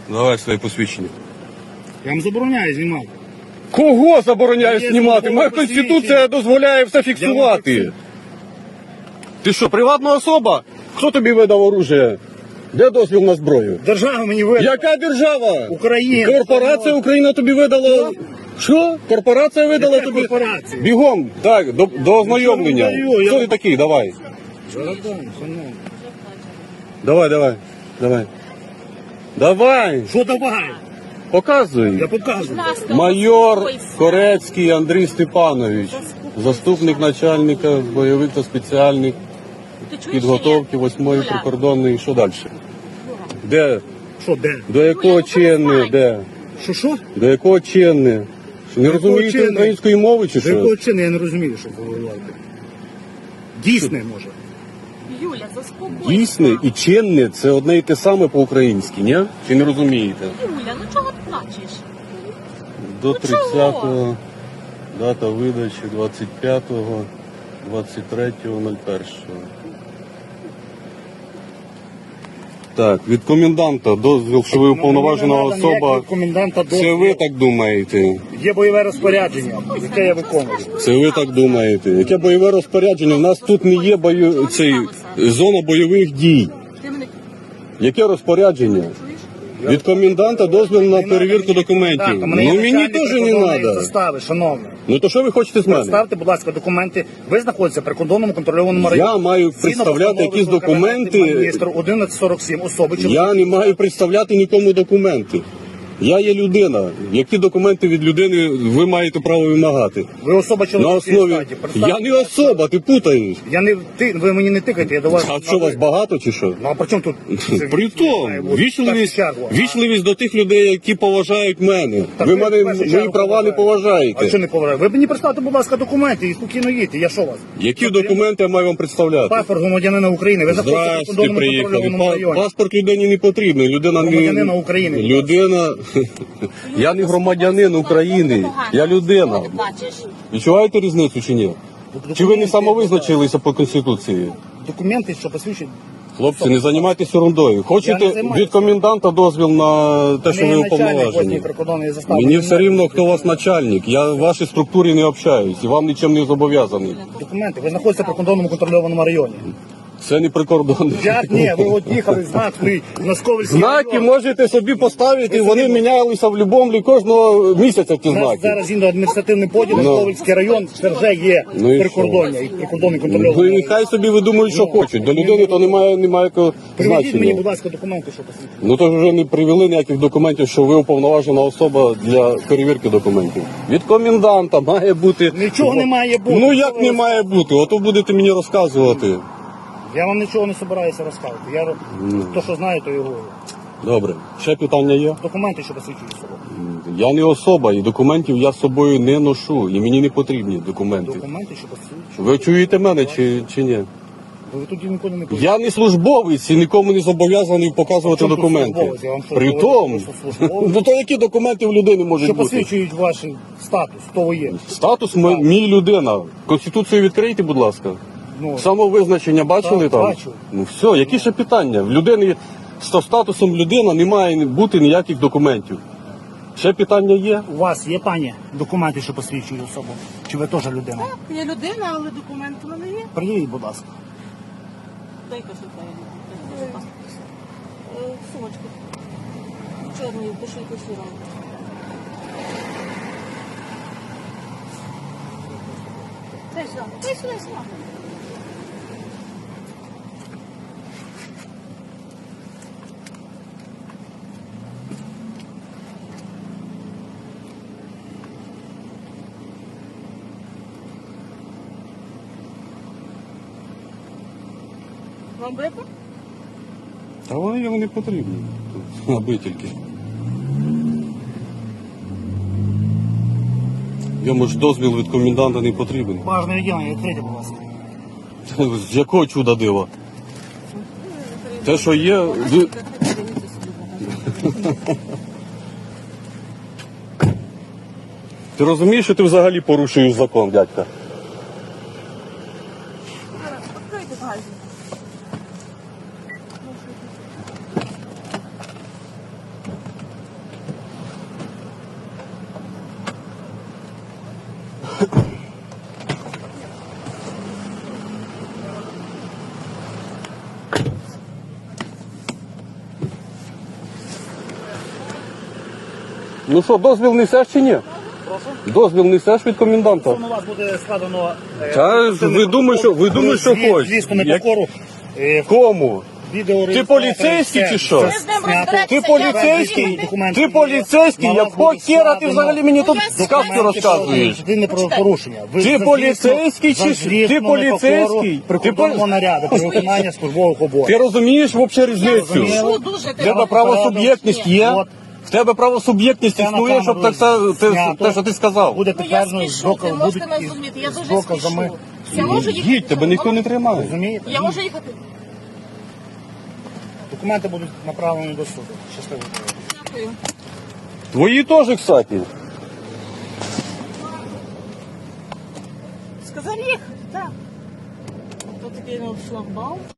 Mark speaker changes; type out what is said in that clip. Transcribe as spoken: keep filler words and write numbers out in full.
Speaker 1: Давай своє посвідчення.
Speaker 2: Я вам забороняю знімати.
Speaker 1: Кого забороняє
Speaker 2: Є
Speaker 1: знімати?
Speaker 2: службове
Speaker 1: Моя
Speaker 2: посвідчення.
Speaker 1: конституція дозволяє все
Speaker 2: Я
Speaker 1: фіксувати.
Speaker 2: вам
Speaker 1: Ти що, приватна особа? Хто тобі видав оружие? Де дозвіл на зброю?
Speaker 2: Держава мені видала.
Speaker 1: Яка держава?
Speaker 2: Україна.
Speaker 1: Корпорація Україна тобі видала. Що? Корпорація видала
Speaker 2: Яка
Speaker 1: тобі?
Speaker 2: корпорація?
Speaker 1: Бігом, так, до, до ознайомлення.
Speaker 2: Я не даю, я-
Speaker 1: Хто ти такий? Давай.
Speaker 2: Зараз дам, шановний.
Speaker 1: Давай, давай, давай. Давай,
Speaker 2: Що давай?
Speaker 1: показуй.
Speaker 2: Я показую.
Speaker 1: Майор Корецький Андрій Степанович, заступник начальника бойових та спеціальних підготовки восьмої прикордонної. Що далі? Де?
Speaker 2: Що, де?
Speaker 1: До якого чинне? Де?
Speaker 2: Що, що?
Speaker 1: До якого чинне? Що, не
Speaker 2: До якого
Speaker 1: розумієте
Speaker 2: чинне?
Speaker 1: української мови чи
Speaker 2: До якого
Speaker 1: що?
Speaker 2: чину я не розумію, що ви говорите. Дійсне, може.
Speaker 3: Юля, заспокойся.
Speaker 1: Дійсне і чинне це одне і те саме по-українськи, ні? Чи не розумієте?
Speaker 3: Юля, ну чого ти плачеш?
Speaker 1: До
Speaker 3: Ну,
Speaker 1: тридцятого, дата видачі двадцять п'ятого, двадцять третього, нуль першого. Так, від коменданта дозвіл, що ви уповноважена
Speaker 2: Ну, мені не надо
Speaker 1: особа.
Speaker 2: ніякого коменданта
Speaker 1: Це
Speaker 2: дозволу.
Speaker 1: ви так думаєте?
Speaker 2: Є бойове розпорядження, яке я виконую.
Speaker 1: Це ви так думаєте? Яке бойове розпорядження? У нас тут не є бою... цей... зона бойових дій.
Speaker 3: Ти мене
Speaker 1: Яке розпорядження?
Speaker 3: чуєш?
Speaker 1: Від коменданта дозвіл на перевірку документів.
Speaker 2: Так, у мене є
Speaker 1: Ну мені
Speaker 2: начальник
Speaker 1: теж не
Speaker 2: прикордонної
Speaker 1: треба.
Speaker 2: застави, шановний.
Speaker 1: Ну то що ви хочете з мене?
Speaker 2: Представте, будь ласка, документи. Ви знаходитеся при кордонному контрольованому районі.
Speaker 1: Я маю
Speaker 2: Згідно
Speaker 1: представляти
Speaker 2: постанови
Speaker 1: якісь документи.
Speaker 2: Міністр одинадцять сорок сім особи.
Speaker 1: Я не маю представляти нікому документи. Я є людина. Які документи від людини ви маєте право вимагати?
Speaker 2: Ви особа
Speaker 1: На
Speaker 2: чоловічої
Speaker 1: основі.
Speaker 2: статі. Представте,
Speaker 1: Я не особа, ти путаєш.
Speaker 2: Я не ти, ви мені не тикайте, я до вас.
Speaker 1: А що вас багато чи що?
Speaker 2: Ну а при чому тут?
Speaker 1: Притом,
Speaker 2: Має бути в
Speaker 1: вічливість,
Speaker 2: першу чергу, а?
Speaker 1: вічливість до тих людей, які поважають мене.
Speaker 2: Так
Speaker 1: Ви
Speaker 2: ви в
Speaker 1: мене
Speaker 2: першу
Speaker 1: мої
Speaker 2: чергу
Speaker 1: права не
Speaker 2: поважаєте.
Speaker 1: поважаєте.
Speaker 2: А що не поважаєте? Ви мені представте, будь ласка, документи і спокійно їдьте. Я що вас?
Speaker 1: Які документи я маю вам представляти?
Speaker 2: Паспорт громадянина України. Ви знаходитеся в
Speaker 1: Здрасте,
Speaker 2: кордонному
Speaker 1: приїхали.
Speaker 2: контрольованому
Speaker 1: Па-
Speaker 2: районі.
Speaker 1: Паспорт людині не потрібен. Людина не...
Speaker 2: Громадянина України.
Speaker 1: Людина... Я не громадянин України. Я людина.
Speaker 3: Ти плачеш?
Speaker 1: Відчуваєте різницю чи ні? Чи ви не самовизначилися по Конституції?
Speaker 2: Документи, що посвідчують.
Speaker 1: Хлопці, не займайтеся ерундою.
Speaker 2: Я не
Speaker 1: Хочете
Speaker 2: займаюся.
Speaker 1: від коменданта дозвіл на те, що ви уповноважені?
Speaker 2: восьмої прикордонної застави.
Speaker 1: Мені все рівно, хто у вас начальник. Я в вашій структурі не общаюсь і вам нічим не зобов'язаний.
Speaker 2: Документи. Ви знаходитеся при кордонному контрольованому районі.
Speaker 1: Це не прикордонний.
Speaker 2: Як ні, ви от їхали, знак стоїть на Сковельській.
Speaker 1: Знаки можете собі поставити, вони мінялися в будь-якому кожного місяця ті
Speaker 2: У нас
Speaker 1: знаки.
Speaker 2: зараз згідно адміністративний поділ,
Speaker 1: Ну.
Speaker 2: Сковельський район, це вже є
Speaker 1: Ну і
Speaker 2: прикордоння і прикордонний
Speaker 1: Ну і
Speaker 2: контрольований.
Speaker 1: нехай собі видумують, що хочуть. До людини то немає ніякого
Speaker 2: Приведіть мені,
Speaker 1: значення.
Speaker 2: будь ласка, документи, що посвідчують.
Speaker 1: Ну то ж вже не привели ніяких документів, що ви уповноважена особа для перевірки документів. Від коменданта має бути.
Speaker 2: Нічого не має бути.
Speaker 1: Ну
Speaker 2: Що
Speaker 1: як
Speaker 2: ви
Speaker 1: не має бути? Ото будете мені розказувати.
Speaker 2: Я вам нічого не збираюся розказувати. Я
Speaker 1: Ну.
Speaker 2: то, що знаю, то і говорю.
Speaker 1: Добре. Ще питання є?
Speaker 2: Документи, що посвідчують особу.
Speaker 1: Я не особа, і документів я з собою не ношу, і мені не потрібні документи.
Speaker 2: Документи, що посвідчують.
Speaker 1: Ви чуєте мене чи, чи ні?
Speaker 2: Ви тут ніколи не
Speaker 1: Я не службовець і нікому не зобов'язаний показувати
Speaker 2: Чому тут
Speaker 1: документи.
Speaker 2: службовець? Я вам що,
Speaker 1: При
Speaker 2: говорю,
Speaker 1: тому,
Speaker 2: що службовець?
Speaker 1: ну то які документи в людини можуть
Speaker 2: Що
Speaker 1: бути?
Speaker 2: посвідчують ваш статус, хто ви є.
Speaker 1: Статус м- мій людина. Конституцію відкрийте, будь ласка.
Speaker 2: Ну,
Speaker 1: Самовизначення бачили
Speaker 2: Так,
Speaker 1: там?
Speaker 2: бачу.
Speaker 1: Ну все, які ще питання? В людини з статусом людина не має бути ніяких документів. Ще питання є?
Speaker 2: у вас є, пані, документи, що посвідчують особу? Чи ви теж людина?
Speaker 3: Я людина, але документ у мене є.
Speaker 2: Приїдь, будь ласка.
Speaker 3: Дай кошелька. Сумочку. Чорною, кошельку сірому. Дай сюди, дай сюди, сюди. Вам бити?
Speaker 1: Та вони йому не потрібні. Аби тільки. Йому ж дозвіл від коменданта не потрібен.
Speaker 2: Бажане відділення, відкрийте, будь ласка.
Speaker 1: З якого чуда дива? Те, що є. ви- Ти розумієш, що ти взагалі порушуєш закон, дядька?
Speaker 3: Відкрийте багажник.
Speaker 1: Ну що, дозвіл несеш чи ні?
Speaker 2: Прошу.
Speaker 1: Дозвіл несеш від коменданта?
Speaker 2: У вас буде складено... е,
Speaker 1: Та ж ви думаєте, що- ви думаєте, що
Speaker 2: звіт-
Speaker 1: хочете?
Speaker 2: Звісно,
Speaker 1: Як-
Speaker 2: непокору. Е,
Speaker 1: Кому?
Speaker 2: відеореєстратор,
Speaker 1: поліцейський
Speaker 2: все-
Speaker 1: чи що?
Speaker 2: все
Speaker 3: Ви з ним
Speaker 2: знято.
Speaker 3: розберетеся,
Speaker 1: Ти поліцейський?
Speaker 3: я-
Speaker 2: Документи
Speaker 1: Ти
Speaker 2: є.
Speaker 1: поліцейський?
Speaker 2: На вас
Speaker 1: Якого
Speaker 2: буде
Speaker 1: хера ти
Speaker 2: складено
Speaker 1: взагалі мені тут
Speaker 3: Ну, я
Speaker 1: сказки
Speaker 3: знаю,
Speaker 1: розказуєш?
Speaker 2: Ти про порушення. Ви
Speaker 1: Ти
Speaker 2: за
Speaker 1: поліцейський
Speaker 2: злісну-
Speaker 1: чи
Speaker 2: за
Speaker 1: ж-
Speaker 2: злісну
Speaker 1: ти поліцейський?
Speaker 2: непокору
Speaker 1: Ти
Speaker 2: Прикордонного
Speaker 1: полі-
Speaker 2: наряду при виконанні службових
Speaker 1: Ти
Speaker 2: обов'язків.
Speaker 1: розумієш взагалі різницю?
Speaker 2: розумію.
Speaker 3: Що дуже
Speaker 1: В
Speaker 3: ти
Speaker 1: тебе правосуб'єктність є?
Speaker 2: От.
Speaker 1: В тебе правосуб'єктність
Speaker 2: Це на
Speaker 1: існує, щоб
Speaker 2: камеру
Speaker 1: так са- те,
Speaker 2: знято.
Speaker 1: те, що ти сказав.
Speaker 2: Буде
Speaker 3: Ну я
Speaker 2: підтверджено з
Speaker 3: спішу, ти
Speaker 2: доказ-
Speaker 3: можете
Speaker 2: будуть
Speaker 3: не
Speaker 2: із-
Speaker 3: зрозуміти, я
Speaker 2: з
Speaker 3: дуже
Speaker 2: доказами.
Speaker 3: спішу. Я можу їхати?
Speaker 1: Їдь, тебе ніхто не тримає.
Speaker 2: Розумієте?
Speaker 3: Я можу їхати?
Speaker 2: Документи будуть направлені до суду. Щасливо.
Speaker 3: Дякую.
Speaker 1: Твої теж, кстати.
Speaker 3: Сказав їхати, так. Тут такий ну, шлагбаум.